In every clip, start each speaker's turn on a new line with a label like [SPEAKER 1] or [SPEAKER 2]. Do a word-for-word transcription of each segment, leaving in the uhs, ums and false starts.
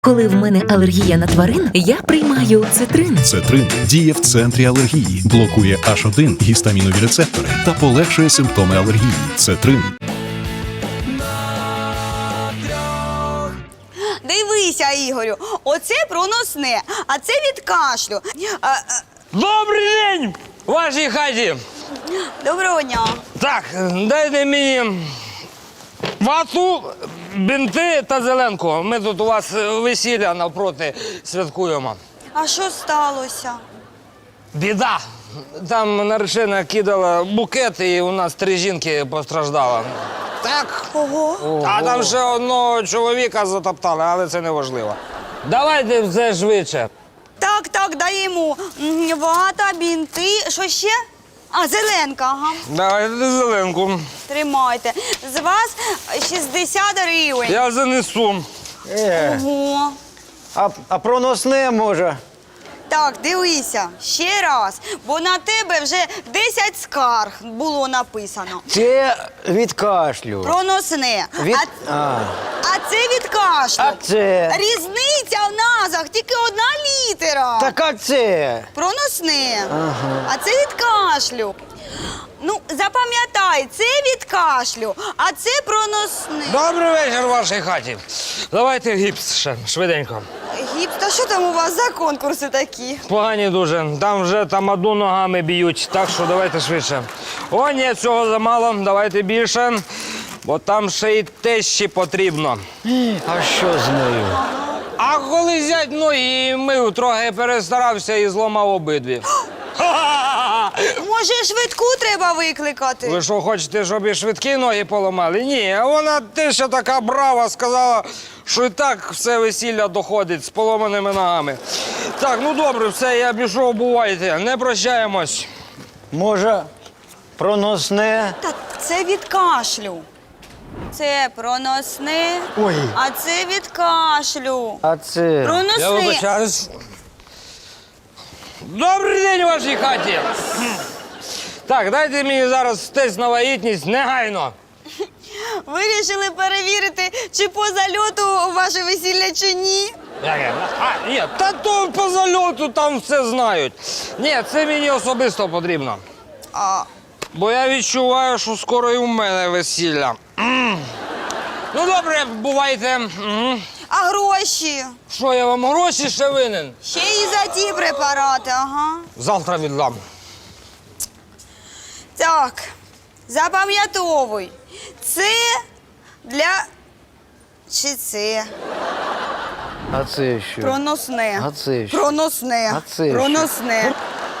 [SPEAKER 1] Коли в мене алергія на тварин, я приймаю цитрин.
[SPEAKER 2] Цетрин діє в центрі алергії, блокує аш один гістамінові рецептори та полегшує симптоми алергії. Цетрин.
[SPEAKER 3] Дивися, Ігорю, оце проносне, а це від кашлю. А, а,
[SPEAKER 4] Добрий день, вашій хаті.
[SPEAKER 3] доброго дня.
[SPEAKER 4] Так, дайте мені вату, бінти та зеленку. Ми тут у вас весілля навпроти святкуємо.
[SPEAKER 3] А що сталося?
[SPEAKER 4] Біда. Там наречена кидала букет, і у нас три жінки постраждали. Так.
[SPEAKER 3] Ого.
[SPEAKER 4] А там ще одного чоловіка затоптали, але це не важливо. Давайте все швидше.
[SPEAKER 3] Так, так, даємо. М, Вата, бінти, що ще? А, зеленка, ага.
[SPEAKER 4] Давайте зеленку.
[SPEAKER 3] Тримайте. З вас шістдесят гривень.
[SPEAKER 4] Я занесу.
[SPEAKER 5] Е,
[SPEAKER 3] Ого.
[SPEAKER 5] а, а проносне може?
[SPEAKER 3] Так, дивися, ще раз, бо на тебе вже десять скарг було написано.
[SPEAKER 5] Це від кашлю.
[SPEAKER 3] Проносне.
[SPEAKER 5] Від...
[SPEAKER 3] А,
[SPEAKER 5] А,
[SPEAKER 3] а це від кашлю.
[SPEAKER 5] а це?
[SPEAKER 3] Різниця в назвах, тільки одна літера.
[SPEAKER 5] Так а це?
[SPEAKER 3] Проносне. А це від кашлю. Ну, запам'ятай, це від кашлю, а це проносне.
[SPEAKER 4] Добрий вечір в вашій хаті. Давайте гіпс ще, швиденько.
[SPEAKER 3] Гіпс, та що там у вас за конкурси такі?
[SPEAKER 4] Погані дуже. Там вже тамаду ногами б'ють, так що давайте швидше. О, ні, цього замало, давайте більше, бо там ще й тещі потрібно.
[SPEAKER 5] А що з нею?
[SPEAKER 4] А коли зять ноги мив, трохи перестарався і зламав обидві.
[SPEAKER 3] Може, швидку треба викликати?
[SPEAKER 4] Ви що, хочете, щоб і швидкі ноги поламали? Ні, а вона теща така брава, сказала, що і так все весілля доходить з поломаними ногами. Так, ну добре, все, я пішов, бувайте, не прощаємось.
[SPEAKER 5] Може, проносне?
[SPEAKER 3] Так, це від кашлю. Це проносне,
[SPEAKER 5] Ой.
[SPEAKER 3] а це від кашлю.
[SPEAKER 5] А це?
[SPEAKER 4] Я
[SPEAKER 3] Проносне.
[SPEAKER 4] вибачаюсь. Добрий день у вашій хаті. Так, дайте мені зараз тест на вагітність негайно.
[SPEAKER 3] Вирішили перевірити, чи по зальоту ваше весілля, чи ні.
[SPEAKER 4] Яке? А, ні, та то по зальоту там все знають. Ні, це мені особисто потрібно.
[SPEAKER 3] А,
[SPEAKER 4] Бо я відчуваю, що скоро і у мене весілля. М. Ну добре, бувайте. М.
[SPEAKER 3] а гроші?
[SPEAKER 4] Що, я вам гроші ще винен?
[SPEAKER 3] Ще і за ті препарати, ага.
[SPEAKER 4] Завтра віддам.
[SPEAKER 3] Так, запам'ятовуй. Це для... Чи це?
[SPEAKER 5] А це що?
[SPEAKER 3] Проносне.
[SPEAKER 5] А це що?
[SPEAKER 3] Проносне.
[SPEAKER 5] А це що?
[SPEAKER 3] Проносне.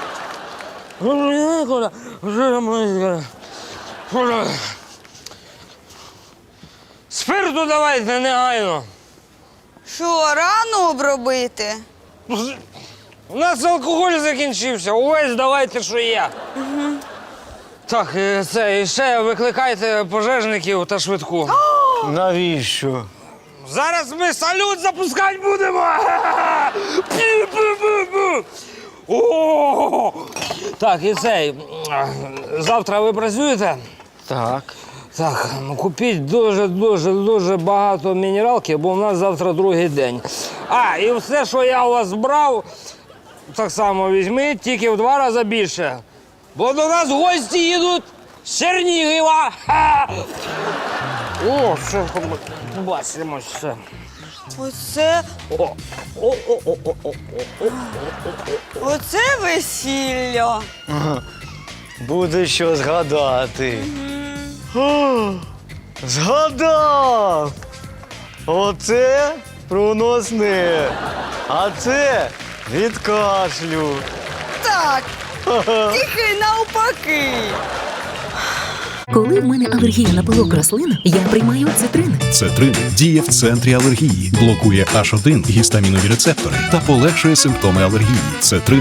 [SPEAKER 4] Спирту давайте негайно.
[SPEAKER 3] Що, рано обробити?
[SPEAKER 4] У нас алкоголь закінчився. Увесь давайте, що є. Угу. Так, е, це, і ще викликайте пожежників та швидку.
[SPEAKER 5] Навіщо?
[SPEAKER 4] Зараз ми салют запускати будемо! Пі-пі-пі-пі! О! Так, і цей. Завтра ви працюєте?
[SPEAKER 5] Так.
[SPEAKER 4] Так, ну купіть дуже-дуже дуже багато мінералки, бо у нас завтра другий день. А, і все, що я у вас брав, так само візьміть, тільки в два рази більше. Бо до нас гості їдуть з Чернігова. Ха! О, все, бачимо все.
[SPEAKER 3] Оце,
[SPEAKER 4] О, о, о, о, о, о, о.
[SPEAKER 3] оце весілля.
[SPEAKER 5] Буде що згадати. О, згадав! Оце проносне, а це від кашлю.
[SPEAKER 3] Так, тільки навпаки.
[SPEAKER 1] Коли в мене алергія на пилок рослин, я приймаю цитрин.
[SPEAKER 2] Цетрин діє в центрі алергії, блокує аш один гістамінові рецептори та полегшує симптоми алергії. Цетрин.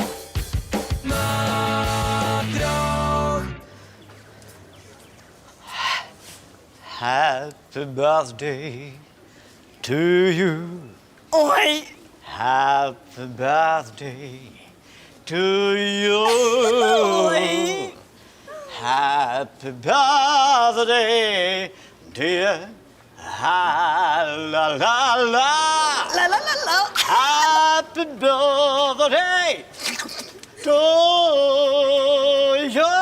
[SPEAKER 5] Happy birthday to you.
[SPEAKER 3] Ой,
[SPEAKER 5] Happy birthday to you.
[SPEAKER 3] ой.
[SPEAKER 5] Happy birthday, dear. Ha la la la.
[SPEAKER 3] Ла-ла.
[SPEAKER 5] Happy birthday to you.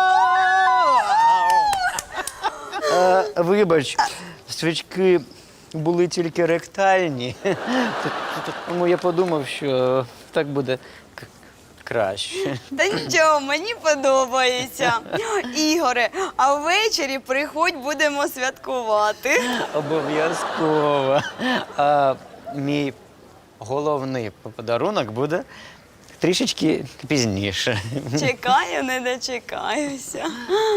[SPEAKER 5] Е, Вибач, свічки були тільки ректальні. Т- т- Тому я подумав, що так буде к- краще.
[SPEAKER 3] Та нічого, мені подобається. Ігоре, а ввечері приходь, будемо святкувати.
[SPEAKER 5] Обов'язково. А мій головний подарунок буде трішечки пізніше.
[SPEAKER 3] Чекаю, не дочекаюся.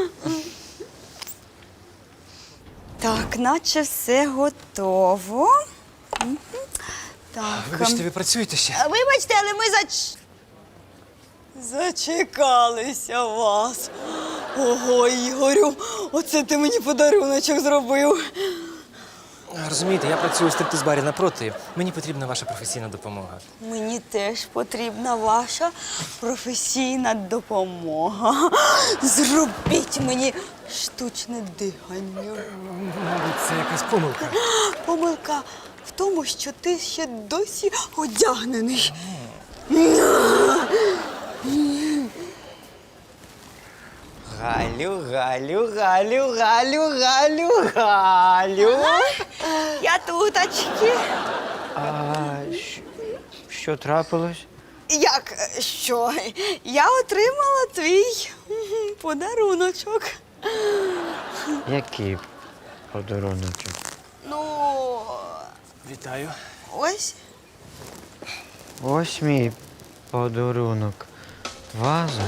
[SPEAKER 3] Так, наче все готово. Мгм. Так.
[SPEAKER 6] Вибачте, ви працюєте ще?
[SPEAKER 3] А, Вибачте, але ми зач... зачекалися вас. Ого, Ігорю, оце ти мені подаруночок зробив.
[SPEAKER 6] Розумієте, я працюю в стриптиз-барі напроти. Мені потрібна ваша професійна допомога.
[SPEAKER 3] Мені теж потрібна ваша професійна допомога. Зробіть мені штучне дихання.
[SPEAKER 6] Мабуть, це якась помилка.
[SPEAKER 3] Помилка в тому, що ти ще досі одягнений.
[SPEAKER 5] Галю, Галю, Галю, Галю, Галю, Галю.
[SPEAKER 3] Я туточки.
[SPEAKER 5] А що, що трапилось?
[SPEAKER 3] Як е, що? Я отримала твій м, подаруночок.
[SPEAKER 5] Який подаруночок?
[SPEAKER 3] Ну,
[SPEAKER 6] Вітаю.
[SPEAKER 3] ось.
[SPEAKER 5] Ось мій подарунок. Ваза.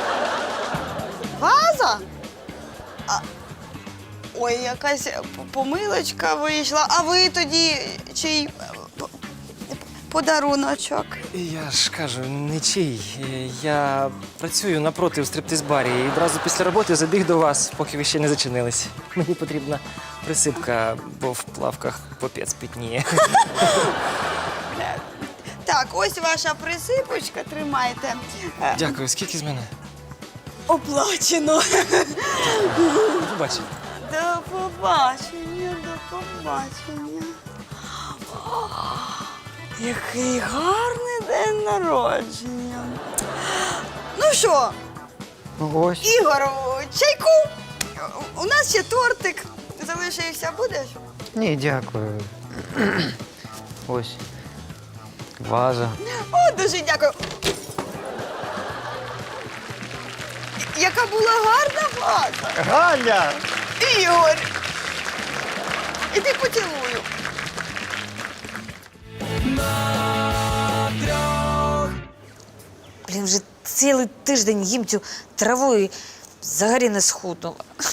[SPEAKER 3] Ваза? А, ой, якась п- помилочка вийшла. А ви тоді чий е, п- подаруночок?
[SPEAKER 6] Я ж кажу, нічий. Я працюю напроти в стриптиз-барі і одразу після роботи забіг до вас, поки ви ще не зачинились. Мені потрібна присипка, бо в плавках попець пітніє.
[SPEAKER 3] Так, ось ваша присипочка, тримайте. Е,
[SPEAKER 6] Дякую. Скільки з мене?
[SPEAKER 3] Оплачено.
[SPEAKER 6] До побачення.
[SPEAKER 3] До побачення, до побачення. О, який гарний день народження. Ну що,
[SPEAKER 5] Ось.
[SPEAKER 3] Ігор, чайку? У нас ще тортик залишився, будеш?
[SPEAKER 5] Ні, дякую. Ось. Ваза.
[SPEAKER 3] О, дуже дякую. Яка була гарна ваза.
[SPEAKER 5] Галя!
[SPEAKER 3] Ігор. Іди поцілую.
[SPEAKER 7] Блін, вже цілий тиждень їм цю траву і взагалі не схуднула.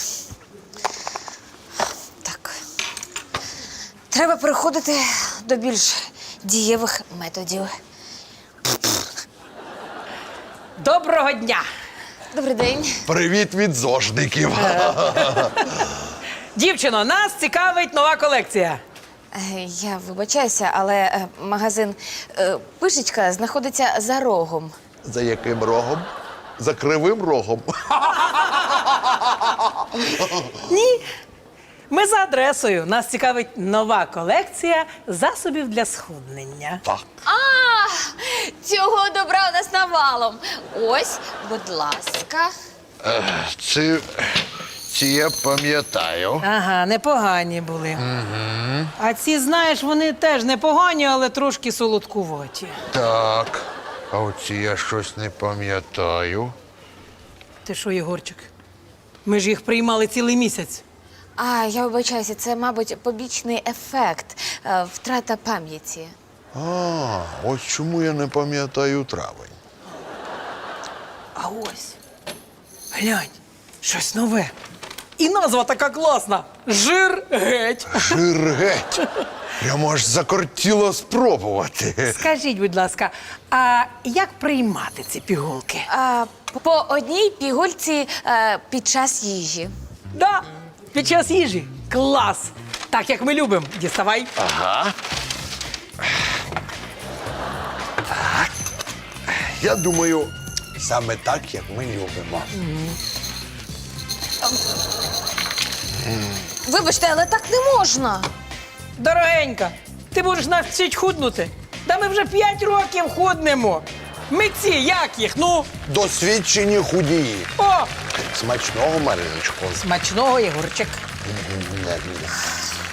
[SPEAKER 7] Так. Треба переходити до більш дієвих методів.
[SPEAKER 8] Доброго дня!
[SPEAKER 7] Добрий день.
[SPEAKER 9] Привіт від зожників.
[SPEAKER 8] Дівчино, нас цікавить нова колекція.
[SPEAKER 7] Е, Я вибачаюся, але е, магазин е, Пишечка знаходиться за рогом.
[SPEAKER 9] За яким рогом? За кривим рогом.
[SPEAKER 8] Ні. Ми за адресою. Нас цікавить нова колекція засобів для схуднення.
[SPEAKER 9] Так.
[SPEAKER 7] А, цього добра у нас навалом. Ось, будь ласка.
[SPEAKER 9] Ці, ці я пам'ятаю.
[SPEAKER 8] Ага, непогані були. Угу. А ці, знаєш, вони теж непогані, але трошки солодкуваті.
[SPEAKER 9] Так. А оці я щось не пам'ятаю.
[SPEAKER 8] Ти що, Єгорчик? Ми ж їх приймали цілий місяць.
[SPEAKER 7] А, я вибачаюся, це, мабуть, побічний ефект, е, втрата пам'яті.
[SPEAKER 9] А, ось чому я не пам'ятаю травень.
[SPEAKER 8] А ось, глянь, щось нове. І назва така класна. Жир геть.
[SPEAKER 9] Жир геть. Прямо аж закортіло спробувати.
[SPEAKER 8] Скажіть, будь ласка, а як приймати ці пігулки?
[SPEAKER 7] А, по одній пігульці е, під час їжі.
[SPEAKER 8] Да, під час їжі. Клас! Так, як ми любимо. Діставай.
[SPEAKER 9] Ага. Так. Я думаю, саме так, як ми любимо.
[SPEAKER 7] Вибачте, але так не можна.
[SPEAKER 8] Дорогенька, ти будеш нас вчить худнути. Та ми вже п'ять років худнемо. Митці, як їх? Ну,
[SPEAKER 9] Досвідчені худії.
[SPEAKER 8] о,
[SPEAKER 9] Смачного, Мариночко.
[SPEAKER 8] смачного, Єгорчик.
[SPEAKER 9] Не, не.